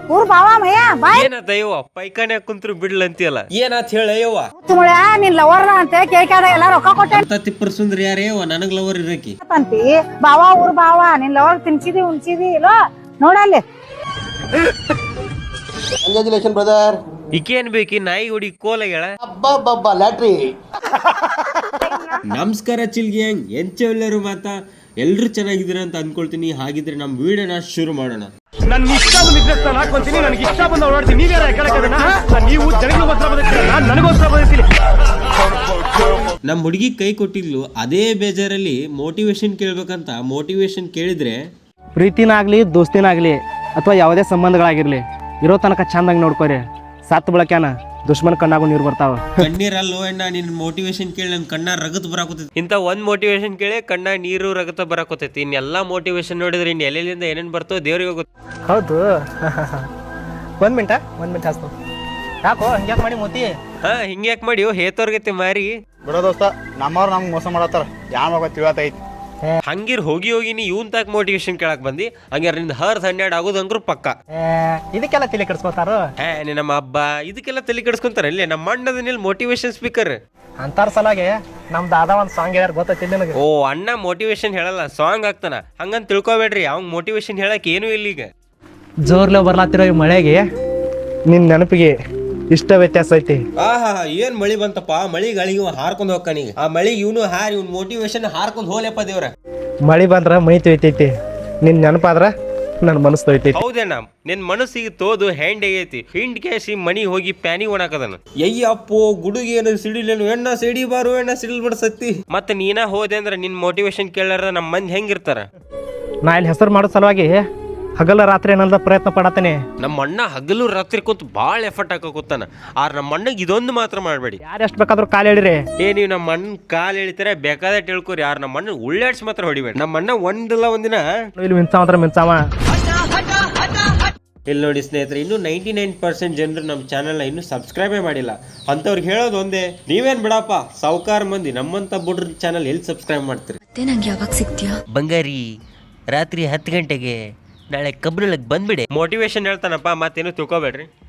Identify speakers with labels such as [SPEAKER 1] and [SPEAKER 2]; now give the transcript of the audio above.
[SPEAKER 1] ಊರ್ ಬಾವ ಮಯ್ಯ ಬಾಯ್
[SPEAKER 2] ಏನತ್ತ ಯವ್ವ ಪೈಖಾನೆ ಕುಂತ್ರು ಬಿಡ್ಲಂತಿಯಲ್ಲ ಏನತ್ ಹೇಳ ಯವ್ವ
[SPEAKER 1] ತುಮಳ ನಿನ್ ಲವರ್ ಅಂತ ಕೇಳ್ಕಾದ ಎಲ್ಲ ರೊಕ್ಕ ಕೊಟ್ಟೆ
[SPEAKER 2] ಅಂತ ತಿಪ್ಪರ್ ಸುಂದ್ರಿ ಯಾರೇ ಯವ್ವ ನನಗ್ ಲವರ್ ಇರಕಿ
[SPEAKER 1] ಅಂತಿ ಬಾವ ಊರ್ ಬಾವ ನಿನ್ ಲವರ್ ತಿನ್ಸಿದಿ ಉಣ್ಸಿದಿ ಇಲ್ಲೋ ನೋಡಲ್ಲಿ
[SPEAKER 3] ಕಂಗ್ರಾಚುಲೇಷನ್ ಬ್ರದರ್.
[SPEAKER 2] ಈಕೇನ್ ಬೇಕಿ ನಾಯಿ ಹುಡಿ ಕೋಲಗಳ
[SPEAKER 3] ಅಬ್ಬಬ್ಬಬ್ಬ ಲ್ಯಾಟ್ರಿ.
[SPEAKER 2] ನಮಸ್ಕಾರ ಚಿಲ್ಗಿ ಹಂಗ್ ಎಂಚೆಲ್ಲರೂ ಮಾತಾ ಎಲ್ರು ಚೆನ್ನಾಗಿದ್ದೀರ ಅಂತ ಅನ್ಕೊಳ್ತೀನಿ. ಹಾಗಿದ್ರೆ ನಮ್ ವಿಡಿಯೋನ ಶುರು ಮಾಡೋಣ.
[SPEAKER 4] ನನ್ನ ಇಷ್ಟ ಬಂದಿದ್ರೆ ನಾನು ಹಾಕೊಂತೀನಿ, ನನಗೆ ಇಷ್ಟ ಬಂದ ಓಡಾಡ್ತೀನಿ. ನೀವ್ಯಾರ ಕೇಳಕ್ಕಾಗಣ? ನೀವು ಜನಗಳಿಗೋಸ್ಕರ ಬಂದಿರ್ತೀರ, ನಾನು ನನಗೋಸ್ಕರ ಬಂದಿರ್ತೀನಿ.
[SPEAKER 2] ನಮ್ ಹುಡುಗಿ ಕೈ ಕೊಟ್ಟಿದ್ಲು, ಅದೇ ಬೇಜಾರಲ್ಲಿ ಮೋಟಿವೇಶನ್ ಕೇಳ್ಬೇಕಂತ ಮೋಟಿವೇಶನ್ ಕೇಳಿದ್ರೆ
[SPEAKER 5] ಪ್ರೀತಿನಾಗ್ಲಿ ದೋಸ್ತಿನಾಗ್ಲಿ ಅಥವಾ ಯಾವುದೇ ಸಂಬಂಧಗಳಾಗಿರ್ಲಿ ಇರೋ ತನಕ ಚಂದಾಗಿ ನೋಡ್ಕೋರಿ. ಸತ್ ಬಳಕ್ಯಾನ ದುಶ್ಮನ್ ಕಣ್ಣಾಗೂ ನೀರು ಬರ್ತಾವ.
[SPEAKER 2] ಕಣ್ಣೀರಲ್ಲೋ ಅಣ್ಣ ನಿನ್ ಮೋಟಿವೇಶನ್ ಕೇಳಿ ನನ್ ಕಣ್ಣ ರಗತ್ ಬರಾಕೋತೈತಿ. ಇಂತ ಒಂದ್ ಮೋಟಿವೇಶನ್ ಕೇಳಿ ಕಣ್ಣ ನೀರು ರಗತ ಬರಾಕೋತೈತಿ. ಇನ್ನೆಲ್ಲಾ ಮೋಟಿವೇಶನ್ ನೋಡಿದ್ರೆ ಇನ್ ಎಲ್ಲೆಲ್ಲಿಂದ ಏನೇನ್ ಬರ್ತೋ ದೇವ್ರಿಗೆ ಗೊತ್ತು.
[SPEAKER 5] ಹೌದು. ಒಂದ್ ಮಿನಿಟ್ ಹಾಸ್ತು. ಯಾಕೋ ಹಂಗ್ಯಾಕ್ ಮಾಡಿ ಮೋತಿ?
[SPEAKER 2] ಹಿಂಗ್ಯಾಕ್ ಮಾಡಿ ಹೇತೋರ್ಗೈತಿ ಮಾರಿ
[SPEAKER 3] ಬಿಡೋ ದೋಸ್ತ, ನಮ್ಮವ್ರು ನಮ್ಗೆ ಮೋಸ ಮಾಡತ್ತಾರ. ಯಾವ ಮಗ ತಿಳಿಯತೈತಿ.
[SPEAKER 2] ಹಂಗಿರ್ ಹೋಗಿ ನೀ ಇವನ್ ತಾಕ್ ಮೋಟಿವೇಶನ್ ಕೇಳಕ್ ಬಂದಿ. ಹಂಗಾರ ನಿಂದ 12 ಆಗೋದಂಗ್ರು ಪಕ್ಕ.
[SPEAKER 5] ಇದಕ್ಕೆಲ್ಲ ತಲೆ ಕೆಡಿಸ್ಕೋತಾರ
[SPEAKER 2] ನಮ್ಮ ಹಬ್ಬ ಇದಕ್ಕೆಲ್ಲ ತಲೆ ಕೆಡಿಸ್ಕೊಂತಾರ. ಇಲ್ಲಿ ನಮ್ಮ ಅಣ್ಣದ ಮೋಟಿವೇಶನ್ ಸ್ಪೀಕರ್
[SPEAKER 5] ಅಂತಾರ ಸಲಾಗೆ ನಮ್ ದಾದಾ ಒಂದ್ ಸಾಂಗ್ ಹೇಳ್ಯಾರ ಗೊತ್ತೈತಿ ನಿನಗೆ?
[SPEAKER 2] ಓ ಅಣ್ಣ ಮೋಟಿವೇಶನ್ ಹೇಳಲ್ಲ, ಸಾಂಗ್ ಆಗ್ತಾನ. ಹಂಗಂತ ತಿಳ್ಕೊಬೇಡ್ರಿ, ಅವ್ನ್ ಮೋಟಿವೇಶನ್ ಹೇಳಕ್ ಏನೂ ಇಲ್ಲ. ಈಗ
[SPEAKER 5] ಜೋರ್ಲೆ ಬರ್ಲಾತಿರೋ ಈ ಮಳೆಗೆ ನಿನ್ ನೆನಪಿಗೆ ಇಷ್ಟ ವ್ಯತ್ಯಾಸ ಐತಿ.
[SPEAKER 2] ಆಹಾ ಏನ್ ಮಳಿ ಬಂತಪ್ಪ. ಮಳಿ ಗಳಿಗೆ ಹಾರ್ಕೊಂಡ್ ಹೋಗ್ಕಾನೀಗ. ಆ ಮಳಿ ಇವನು ಹಾರಿ ಇವ್ನ ಮೋಟಿವೇಶನ್ ಹಾರ್ಕೊಂಡ್ ಹೋಗ್ಲಪ್ಪ ದೇವ್ರ.
[SPEAKER 5] ಮಳಿ ಬಂದ್ರ ಮೈ ತೊಯ್ತೈತಿ, ನಿನ್ ನೆನಪಾದ್ರ ನನ್ ಮನಸ್ಸು ತೊಯ್ತೈತಿ.
[SPEAKER 2] ಹೌದೇನ ನಿನ್ ಮನಸ್ಸಿಗೆ ತೋದು ಹ್ಯಾಂಡ್ ಆಗೈತಿ. ಹಿಂಡ್ ಕ್ಯಾಸಿ ಮಣಿ ಹೋಗಿ ಪ್ಯಾನಿ ಒಣಕದನ. ಅಯ್ಯಪ್ಪೋ ಗುಡುಗಿ ಏನು ಸಿಡಿಲೇನು ಎಣ್ಣ ಸಿಡಿ ಬಾರು ಎಣ್ಣ ಸಿಡಿಲ್ ಬಿಡ್ಸತ್ತಿ. ಮತ್ತೆ ನೀನ ಹೋದೆ ಅಂದ್ರ ನಿನ್ ಮೋಟಿವೇಶನ್ ಕೇಳಾರ ನಮ್ ಮಂದಿ ಹೆಂಗಿರ್ತಾರ?
[SPEAKER 5] ನಾ ಇಲ್ಲಿ ಹೆಸರು ಮಾಡೋ ಸಲುವಾಗಿ ಹಗಲ ರಾತ್ರಿ ಏನಂದ ಪ್ರಯತ್ನ ಪಡತೇನೆ.
[SPEAKER 2] ನಮ್ಮ ಅಣ್ಣ ಹಗಲು ರಾತ್ರಿ ಕುಂತ ಬಾಳ ಎಫರ್ಟ್ ಹಾಕೋತಾನ. ಆರ್ ನಮ್ಮ ಅಣ್ಣಗ್ ಇದೊಂದು ಮಾತ್ರ ಮಾಡ್ಬೇಡಿ.
[SPEAKER 5] ಯಾರು ಎಷ್ಟು ಬೇಕಾದ್ರೂ ಕಾಲು ಹೇಳಿರಿ.
[SPEAKER 2] ನೀವು ನಮ್ಮ ಅಣ್ಣ ಕಾಲ್ ಎಳಿತಾರೆ ಬೇಕಾದ ತಿಳ್ಕೊರಿ. ಯಾರು ನಮ್ಮ ಅಣ್ಣ ಉಳ್ಳಾಡ್ಸಿ ಮಾತ್ರ ಹೊಡಿಬೇಡಿ. ನಮ್ಮ ಅಣ್ಣ ಒಂದಿಲ್ಲ ಒಂದಿನ
[SPEAKER 5] ಇಲ್ಲಿ ಮಿಂಚಾವ.
[SPEAKER 2] ಇಲ್ಲಿ ನೋಡಿ ಸ್ನೇಹಿತರೆ, ಇನ್ನು 99% ಜನರು ನಮ್ಮ ಚಾನಲ್ನ ಇನ್ನೂ ಸಬ್ಸ್ಕ್ರೈಬೇ ಮಾಡಿಲ್ಲ. ಅಂಥವ್ರಿಗೆ ಹೇಳೋದು ಒಂದೇ, ನೀವೇನ್ ಬಿಡಪ್ಪ ಸಾವುಕಾರ ಮಂದಿ ನಮ್ಮಂತ ಬುಡ್ರ ಚಾನಲ್ ಎಲ್ಲಿ ಸಬ್ಸ್ಕ್ರೈಬ್ ಮಾಡ್ತೀರಿ?
[SPEAKER 6] ನಂಗೆ ಯಾವಾಗ ಸಿಗ್ತೀಯಾ
[SPEAKER 2] ಬಂಗಾರಿ? ರಾತ್ರಿ 10 ಗಂಟೆಗೆ ನಾಳೆ ಕಬ್ರಳಗ್ ಬಂದ್ಬಿಡೆ. ಮೋಟಿವೇಶನ್ ಹೇಳ್ತಾನಪ್ಪ, ಮತ್ತೇನು ತಿಳ್ಕೊಬೇಡ್ರಿ.